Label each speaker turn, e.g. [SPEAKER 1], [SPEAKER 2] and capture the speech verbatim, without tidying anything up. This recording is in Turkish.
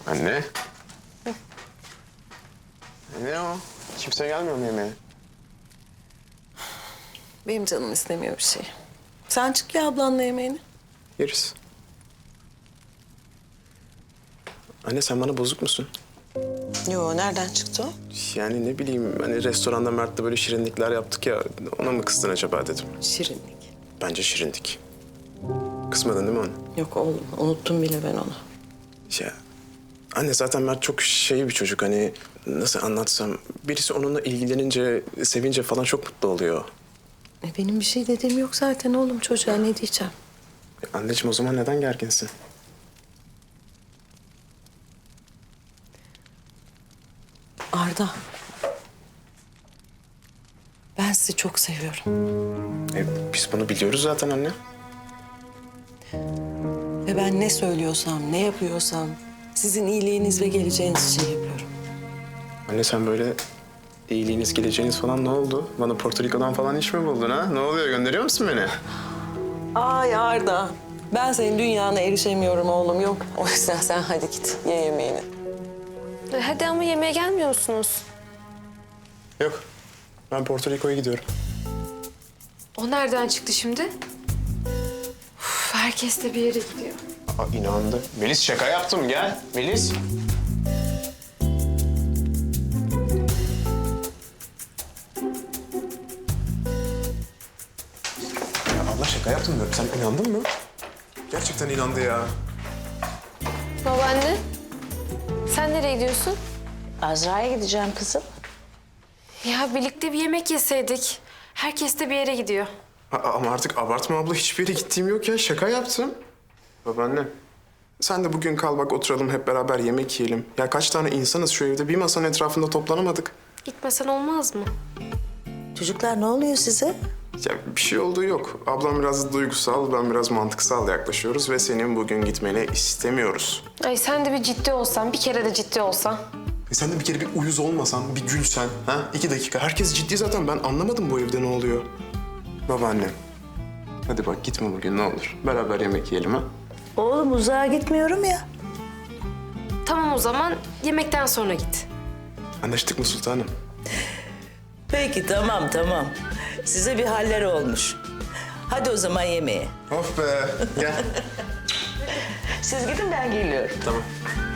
[SPEAKER 1] Anne. Ne o? Kimse gelmiyor mu yemeğe?
[SPEAKER 2] Benim canım istemiyor bir şey. Sen çık ya ablanla yemeğini.
[SPEAKER 1] Yeriz. Anne sen bana bozuk musun?
[SPEAKER 2] Yo, nereden çıktı o?
[SPEAKER 1] Yani ne bileyim hani restoranda Mert'le böyle şirinlikler yaptık ya ona mı kızdın acaba dedim.
[SPEAKER 2] Şirinlik.
[SPEAKER 1] Bence şirindik. Kısmadın değil mi onu?
[SPEAKER 2] Yok oğlum, unuttum bile ben onu.
[SPEAKER 1] Ya anne zaten Mert çok şey bir çocuk hani nasıl anlatsam birisi onunla ilgilenince sevince falan çok mutlu oluyor.
[SPEAKER 2] E, benim bir şey dediğim yok zaten oğlum, çocuğa ne diyeceğim?
[SPEAKER 1] E, anneciğim o zaman neden gerginsin?
[SPEAKER 2] Arda. Ben sizi çok seviyorum.
[SPEAKER 1] E, biz bunu biliyoruz zaten anne.
[SPEAKER 2] Ve ben ne söylüyorsam, ne yapıyorsam sizin iyiliğiniz ve geleceğiniz için yapıyorum.
[SPEAKER 1] Anne sen böyle iyiliğiniz geleceğiniz falan ne oldu? Bana Porto Rico'dan falan iş mi buldun ha? Ne oluyor gönderiyor musun beni?
[SPEAKER 2] Ay Arda. Ben senin dünyana erişemiyorum oğlum, yok. O yüzden sen hadi git, ye yemeğini.
[SPEAKER 3] E, Hadi ama yemeğe gelmiyor musunuz?
[SPEAKER 1] Yok ben Porto Rico'ya gidiyorum.
[SPEAKER 3] O nereden çıktı şimdi? Uf, herkes de bir yere gidiyor.
[SPEAKER 1] Aa, inandı. Melis şaka yaptım gel. Melis. Ya Allah şaka yaptım diyorum. Sen inandın mı? Gerçekten inandı ya.
[SPEAKER 3] Babaanne, sen nereye gidiyorsun?
[SPEAKER 4] Azra'ya gideceğim kızım.
[SPEAKER 3] Ya birlikte bir yemek yeseydik. Herkes de bir yere gidiyor.
[SPEAKER 1] A- ama artık abartma abla. Hiçbir yere gittiğim yok ya. Şaka yaptım. Babaannem. Sen de bugün kal bak oturalım hep beraber yemek yiyelim. Ya kaç tane insanız şu evde. Bir masanın etrafında toplanamadık.
[SPEAKER 3] Gitmesen olmaz mı?
[SPEAKER 4] Çocuklar ne oluyor size?
[SPEAKER 1] Ya bir şey olduğu yok. Ablam biraz duygusal, ben biraz mantıksal yaklaşıyoruz ve senin bugün gitmeni istemiyoruz.
[SPEAKER 3] Ay sen de bir ciddi olsan, bir kere de ciddi olsan.
[SPEAKER 1] E sen de bir kere bir uyuz olmasan, bir gülsen, ha? İki dakika. Herkes ciddi zaten. Ben anlamadım bu evde ne oluyor. Babaannem. Hadi bak gitme bugün ne olur. Beraber yemek yiyelim ha.
[SPEAKER 4] Oğlum uzağa gitmiyorum ya.
[SPEAKER 3] Tamam o zaman yemekten sonra git.
[SPEAKER 1] Anlaştık mı sultanım?
[SPEAKER 4] Peki tamam tamam. Size bir haller olmuş. Hadi o zaman yemeğe.
[SPEAKER 1] Of be. Gel.
[SPEAKER 4] Siz gidin ben geliyorum.
[SPEAKER 1] Tamam.